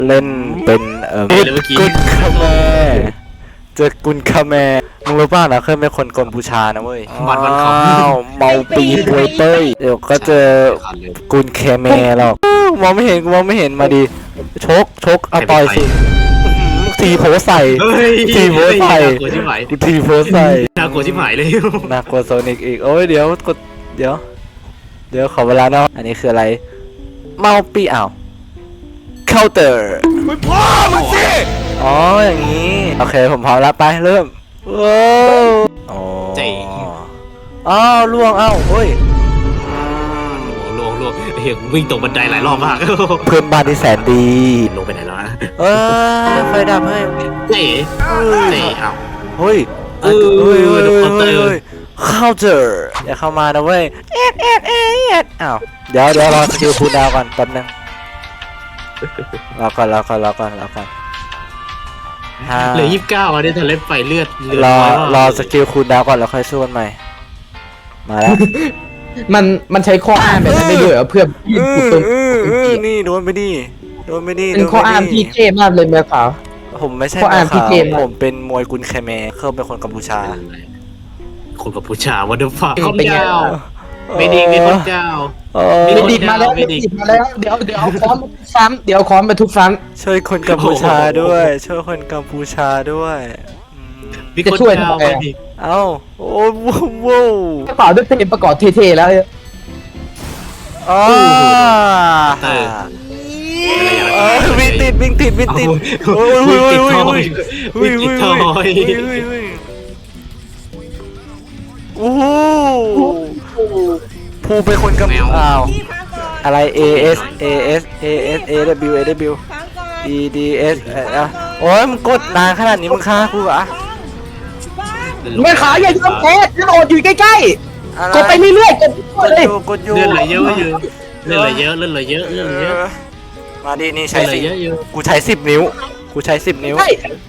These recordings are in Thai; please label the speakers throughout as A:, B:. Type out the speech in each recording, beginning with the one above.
A: เล่นเป็น
B: เลยเมื่อกี้
A: กุนคาแมเจอกุนคาแมมึงรู้ป่ะนะเคยเป็นคนกัมพูชานะเว้ย
B: บัตรวันเขา
A: เมาปีปวยเป้ยเดี๋ยวก็เจอกุนเคแมหรอกมองไม่เห็นมาดิชกเอาต่อยสิทีโพใส่
B: เฮ้ย
A: ทีโพใส่
B: น่ากลัวชิบหาย
A: กูทีโพใส่
B: น่ากลัวชิบหายเลย
A: น่ากลัวโซนิกอีกโอ้ยเดี๋ยวกดเดี๋ยวขอเวลาเนาะอันนี้คืออะไรเมาปีอ้าวเคาน์เตอร์ไม่พอมันสิอ๋ออย่างนี้โอเคผมพร้อมแล้วไปเริ่มว้าวอ๋อ
B: เจ๋ง
A: อ้าวล่วงอ้าวเฮ้ย
B: ลวงเฮ้ยวิ่งตกบันไดหลายรอบมาก
A: เพื่อนบ้านที่แสนดี
B: ลงไปไหนแล้วนะ
A: เออไฟดับเฮ้ย
B: เจ๋เจ๋เอ้า
A: เฮ้ย
B: เออ
A: เฮ้ย
B: เคาน์เตอร์
A: เข้าเจออย่าเข้ามานะเว้ยเอ็ดอ้าวเดี๋ยวรอสกิลคูลดาวน์ก่อนแป๊บนึงรอก่อน
B: เหลือ29อันนี้ทะเลไฟเลือด
A: รอสกิลคูลดาวน์ก่อนแล้วค่อยสู้กันใหม่มาแล้ว
C: มันใช้ข้ออ้างแบบนั้นได้ด้วยเหรอเพื่อยืดตัว
A: นี่โดนไปดิ
C: เป็นข้ออ้างที่เท่มากเลยแม่ขาว
A: ผมไม่ใช่
C: ข้ออ้าง
A: ขาว
C: ที่เกมอะ
A: ผมเป็นมวยกุนแคแมเขาเป็นคนกัมพูชา
B: คนกับผู้ชายวันเดอร์ฟ้า
C: เป็นไง
B: เจ้าไม่ดีมีคนเจ้า
C: ไม่ดิดมาแล้ว
B: ไม่ดิด
C: เดี๋ยวเอาค้อนมาทุบซ้ำเดี๋ยวเอาค้อนมาทุบซ้
A: ช่วยคนกัมพูชาด้วย ช่วยคนกัมพูชาด้วยอืม
B: มีคนเจ้าไม่ดี
A: เอ้าโอ้ว้าว
C: ำกระเป๋าด้วยเพลงประกอบเท่ๆแล้ว
A: อ๋อ
B: เออ
A: วิ่งติดโอ้ย
B: วิ่งติดทอยวิ่งติดทอย
A: โอ้โหผู้เป็นคนกัมพูชาอ้าวอะไร A S A W E D S โอ้ยมึงกดนานขนาดนี้มึงฆ่ากูเหรอ
C: แม่ขาวอย่ายอมแพ้กระโดดอยู่ใกล้ๆกดไปเรื่อยๆกดเลย
A: กดอยู่
B: เลื่อนไหลเยอะเลื่อนไหลเยอะ
A: มาดินี่
B: ใช้
A: ใช้
B: เย
A: สิ
B: อะเยอะ
A: กูใช้10 นิ้วกูใช้10 นิ้ว
C: ใช่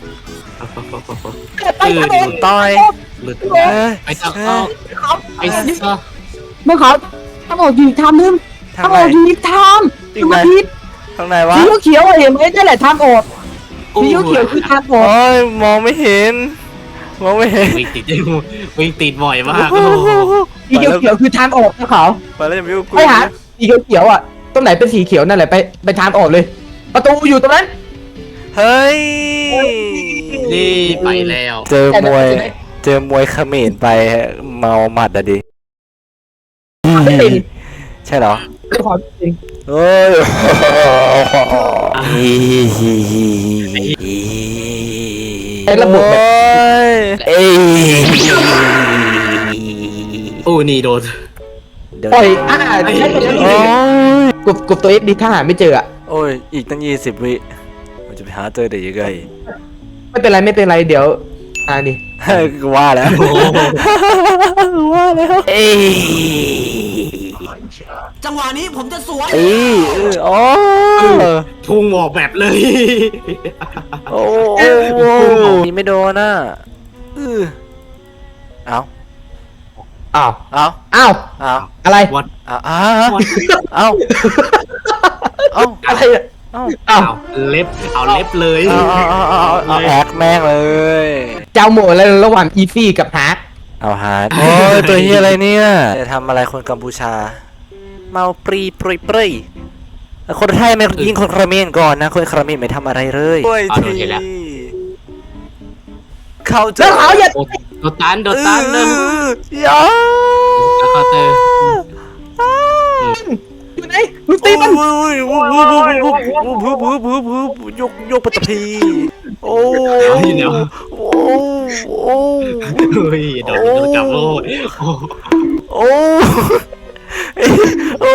C: ไปกระโดด
A: ต่อย
B: หลุด
A: เอ้ย
B: ไปซักเอาไปซัก
C: แม่ขาวทำออกอยู่ทำนึง
A: ทาง
C: ทำ
A: ไห
C: อน อกอยู่ทำ
A: อี
C: ดู
A: กไหน
C: มาพิษ
A: ทางไหนวะ
C: สีเขียวเห็นไหมนั่นแหละทางออกสีเขียวคือทางออก
A: โอ้ยมองไม่เห็น
B: วิ่งติดบ่อยมาก
C: สีเขียวคือทางออกนะขาว
A: ไปแล้วจะไม่รู้กู
C: ไปหาสีเขียวอ่ะตรงไหนเป็นสีเขียวนั่นแหละไปทางออกเลย ประตูอยู่ตรงนั้น
A: เฮ้ย
B: นี่ไปแล้ว
A: เจอมวยเขมรไปเมาหมัดอะดิ
C: ไม่เป็น
A: ใช่เหรอ
C: ไม่ขอจริง
A: เฮ้ย
C: ไอ้ระบบแบบ
A: เอ้ย
B: โอ้นี่โดน
C: ปล่อยใช่ไปแล้ว
A: โอ้ย
C: กบตัวเอ็กดีถ้าหาไม่เจออ่ะ
A: โอ้ยอีกตั้ง20 วิมันจะไปหาเจอได้ยังไง
C: ไม่เป็นไรเดี๋ยวนี่
A: กูว่าแล้วเอ้ย
D: จังหวะนี้ผมจะสวน
A: เอ้ยอ๋อ
B: พุ่งออกแบบเลย
A: โอ้โหนี่ไม่โดนน่ะเอา
C: อ้าว
A: เอา
C: อ้าว
A: เอา
C: อะไร
B: วัด
A: เอาเอาเอา
C: อะไรอ่ะ
A: เอา
C: อ้าว
B: เอาเล็บเลย
A: เอาแอคแม่งเลย
C: เจ้าโหมดอะไรระหว่างอีซี่กับฮาร์ด
A: เอาฮาร์ดโอ้ยตัวเฮียอะไรเนี่ยจะทำอะไรคนกัมพูชาเมาปรีคนไทยไม่ยิงคนเขมรก่อนนะคนเขมรไม่ทำอะไรเลยเขาจะ
C: แล้วเขาอย่า
B: โดนตันเลย
A: ยา
B: คาเตอร์
C: อยู่ไหนมึงตีมัน
A: ยกปัตตพีโอ้โอ้โอ้
B: เฮ้ยโดนจับโล่
A: โอ้โอ้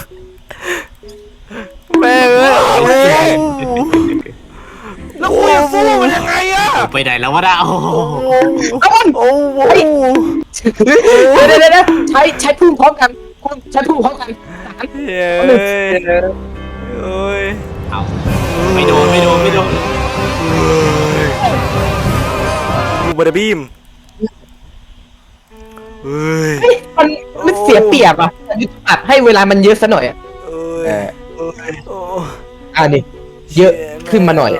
A: แม่เอ้ย
D: แล้วคุยกับฟูมันยังไงอะ
B: ไปไหนแล้ววะดาโอ้
C: เอามัน
A: โอ้โห
C: เดี๋ยวใช้พุ่งพร้อมกันใช้พุ่งพร้อมกัน
A: เฮ้ยโอ้ย
B: เอาไม่โดน
A: บูบาร์บีมเฮ้ย
C: มันเสียเปรียบอ่ะอัดให้เวลามันเยอะซะหน่อยอ่ะ
A: เอ้ยโอ้
C: นี่เยอะขึ้นมาหน่อย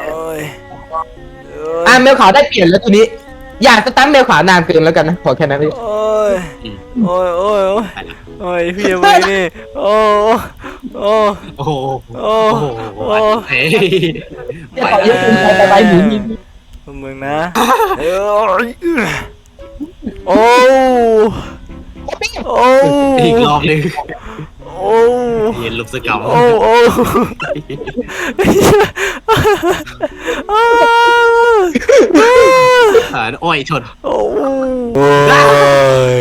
C: แมวขาวได้เปลี่ยนแล้วตัวนี้ อยากจะตั้งแมวขาวนานเกินแล้วกันนะขอแค่นั้นพี่
A: โอ้ยโอ้ยโอ้ยโอ้ยพี่ยังไงนี่โอ้โอ้
B: โอ้โห
A: โอ้
B: โอ้โห
A: โอ้
B: เฮ้ย
C: ไปเยอะเกินไปหนี
A: มึงนะโอ้โอ้
B: อีกรอบหนึง
A: โอ้
B: เย็นลุกสกัม
A: โอ้โอ้
B: อ้อยชน
A: โอ้ย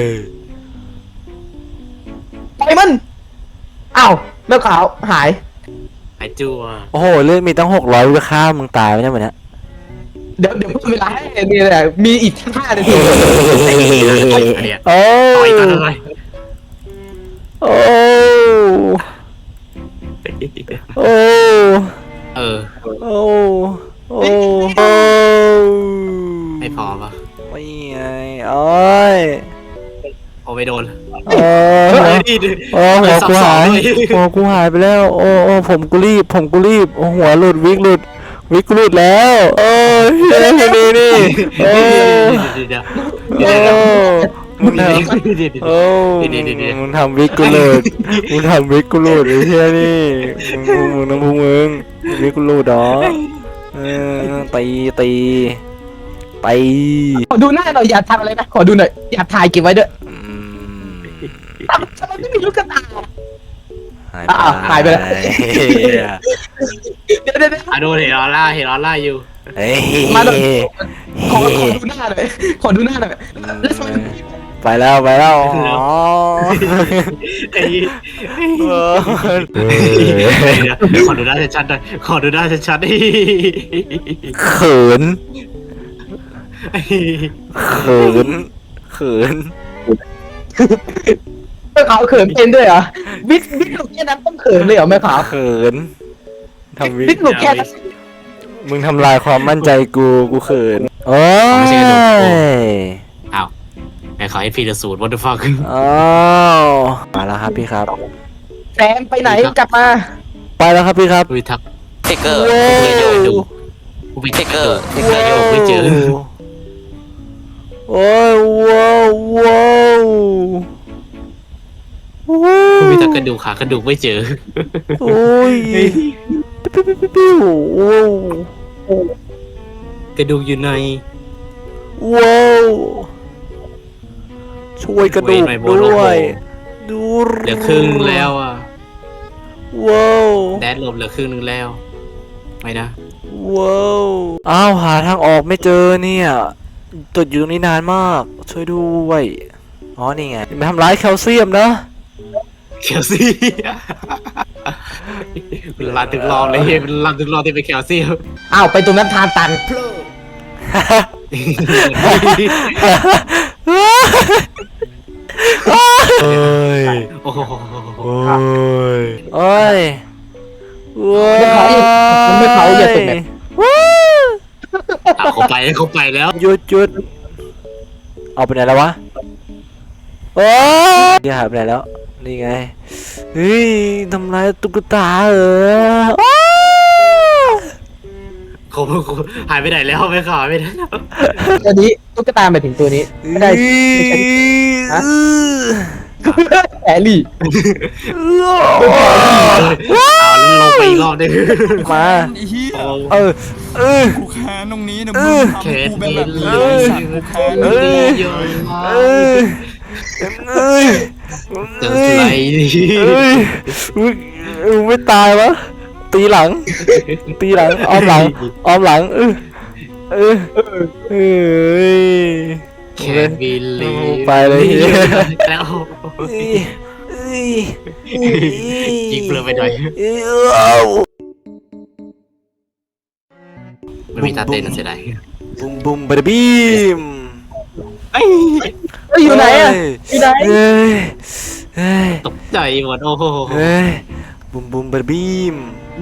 C: ไปมันอ้าวแมวขาวหาย
B: หายจั่ว
A: โอ้โหเลือดมีตั้ง600วิค่ามึงตายไหมเนี่ยวันนี้
C: เดี๋ยวเพิ่มเวลาให้นี่แหละมีอีก5 นาที
B: เนี่ย
A: โอ้
B: ต่อยกันอะไร
A: โอ้โอ้
B: เออ
A: โอ้โอ้โอ้
B: ไม่พอปะ
A: ไม่ไงโอ้ย
B: โอ้ไม่โดน
A: โอ้
B: เฮ้
A: ย
B: ยดิ
A: โอ้หัวกูหายหัวกูหายไปแล้ว โอ้โอ้ผมกูรีบโอ้หัวหลุดวิกหลุดแล้วโอ้ยนี่โอ้มึงทำโอ้มึงทำวิกกูหลุดไอ้เหี้ยนี่มึงน้ำพุมึงวิกกูหลุดดอกตี
C: ขอดูหน้าหน่อยอย่าทำอะไรนะขอดูหน่อยอย่าถ่ายเก็บไว้ด้วยทำไมไม่มีลูกกระตาหายไปแล้ว เดี๋ยว
B: อ่ะโดนเห็นออร่าอยู่
A: เฮ้ย
C: มาดูขอดูหน้าหน่อยแล้วทำไม
A: ไปแล้วอ๋อ
B: ไอ้ขอดูหน้าชัดๆหน่อยขอดูหน้าชัดๆดิ
A: เขิน
C: แม่ขาวเขินเป็นด้วยเหรอวิกหลุดแค่นั้นต้องเขินเลยเหรอแม่ขาว
A: เขินทำวิ
C: วิกหลุดแค่นั้น
A: มึงทำลายความมั่นใจกูเขินโอ้ย
B: อ้าวไอ้ขอให้พีเดสูตร what the fuck
A: อ้าวมาแล้วครับพี่ครับ
C: แซมไปไหนกลับมา
A: ไปแล้วครับพี่ครับ
B: อุ้ยทัก
E: เทคเกอร์
B: ไม่เจอดูกูไปเทคเกอร์ไม่เจอ
A: โอ้ยว้าว
B: กูไปทักกระดูกขากระดูกไม่เจอ
A: โอ้ยปิ้ว
B: กระดูกอยู่ใน
A: ว้าวช่วยกระดูกด้วยดู
B: เหลือครึ่งแล้วอ่ะ
A: ว้าว
B: แดดลมเหลือครึ่งนึงแล้วไม่นะ
A: ว้าวอ้าวหาทางออกไม่เจอเนี่ยติดอยู่ตรงนี้นานมากช่วยด้วยอ๋อนี่ไงไม่ทำร้ายแคลเซียมนะ
B: แคลซี่เป็นลานถึงรอบเลยเป็นลานถึงรอบที่เป็นแคลซี่
C: อ้าวไปตรงนั้นทานตัน
A: โอ้ย
B: โอ้โห
A: โอ้ยโอ้ย
C: ไม่เผาอย่าตกแบบ
B: เขาไปแล้ว
A: หยุดเอาไปไหนแล้ววะโอ้ยเดี๋ยวหายไปไหนแล้วนี่ไงเฮ้ยทำลายตุ๊กตาเหรอ
B: เขาหายไปไหนแล้วไม่ข่าวไม่ได้
C: ตัวนี้ตุ๊กตาหมายถึงตัวนี้ไม่ได้แอลลี่
B: เอาลงไปอีกรอบนึง
A: มา
D: ไอ้เหี้ย กูแค้นตรงนี้นะมึงทำให้กูเป็นแบบนี้ไอ้สัตว์กูแค้น
B: เจออะไร
A: ไม่ตายวะตีหลังอ้อมหลัง
B: แคนบิลลี่
A: ไปเลย
B: แล้ว ยิงเปลือกไปหน่อยไม่มีตาเต้นนะเสียดาย
A: บุ้มบาร์บีม
C: อยู่ไหนอ่ะอยู่ไหน
B: ตกใจหมดโอ้โห
A: บุ้มบาร์บีม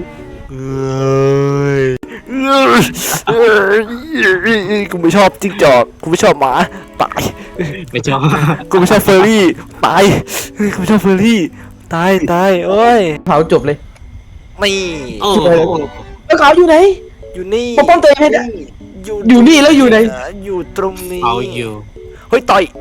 A: กูไม่ชอบจิ้งจอกกูไม่ชอบหมาตาย
B: ไม่ชอบ
A: กูไม่ชอบเฟอร์รี่ตายกูไม่ชอบเฟอร์รี่ตายโอ้ย
C: เผาจบเลย
A: ไม่
B: โอ้
C: แล้วเขาอยู่ไหน
A: อยู่นี่
C: ปกป้องตัวเองให้ได้ อยู่นี่แล้วอยู่ไหน
A: อยู่ตรงนี้
B: เอาอยู่
A: เฮ้ยต่อย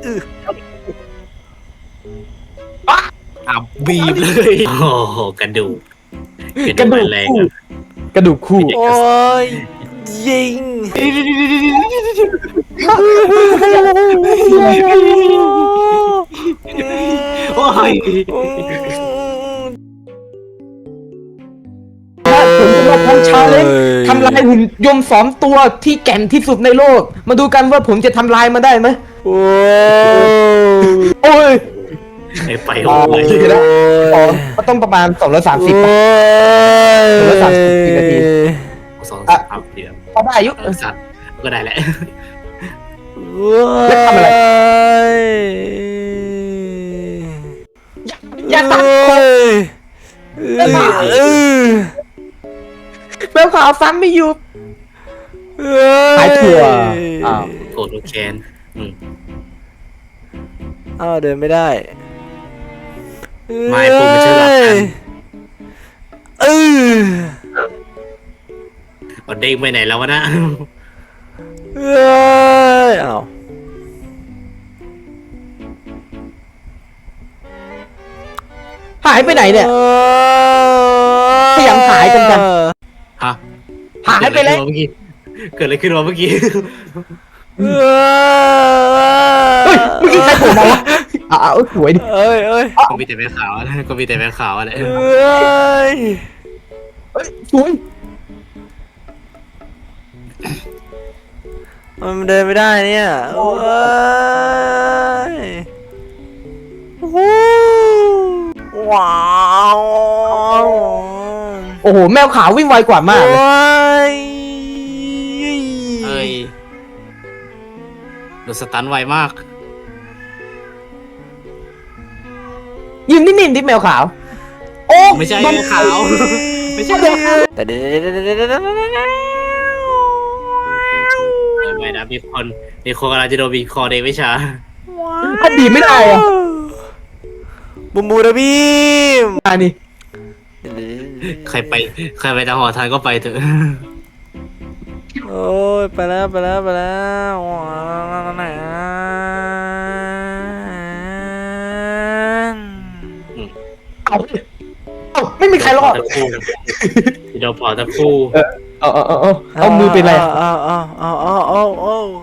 B: อ่ะบีบเลยโอ้โหกระดูก
C: กระดูก
B: แรง
C: คู่กระดูกคู่
A: โอ้ยยิง
B: โอ้ย
C: ผมจะมาทำชาเลนจ์ทำลายหุ่นยนต์2 ตัวที่แก่นที่สุดในโลก มาดูกันว่าผมจะทำลายมันได้ไหม
A: โอ้
C: โอ้ย
B: ไอ้ไปโอ้ย
C: เดี๋ยวนะ ก็ต้องประมาณ230ป่ะ 230นาที
B: สองสามเดียว
C: พอได้อายุ
B: สัตว์ก็ได้แหละ
C: แล้วทำอะไร อย่าตัดคอแมวขาวซ้ำไม่อยู่หายถั่วอ้าว
B: โกรธแค้น
A: อ้าวเดินไม่ได้
B: ไม่ผมไม่ใช่หลักกัน เอาเด้งไปไหนแล้ววะนะ
A: อ้าว
C: หายไปไหนเนี่ย พยายามหายกัน
B: ฮะ
C: หายไปแล้ว
B: เกิดอะไรขึ้นวะเมื่อกี้
C: เฮ้ยเมื่อกี้ใครโผล่มาวะอ้าวสวยดิ
A: เอ้ย
B: ก็มีแต่แม่ขาวอะก็มีแต่แม่ขาวอะไร
C: เฮ้ยสวย
A: มันเดินไม่ได้เนี่ยโอ้ยว้าว
C: โอ้โหแมวขาววิ่งไวกว่ามากเลย
B: เอ้ยโดนสตันไวมาก
C: ยืนนิ่งๆดิแมวขาว โอ้
B: ไม่ใช่แม่ขาว ไม่ใช่
A: แต่เดี๋ยว
B: ไม่นะมีคนกำลังจะโดนบีบคอเดวิชา
C: ถ้าดีไม่ได้อะ
A: บูมบูระบีม
C: อันนี้
B: ใครไปทางหอทันก็ไปเถอะ
A: โอ้ยไปแล้วว้าวไหน
C: เอาไม่มีใครรอด
B: ตะคู่โดนปอดตะคู่
C: เอามือเป็นไร
A: เอา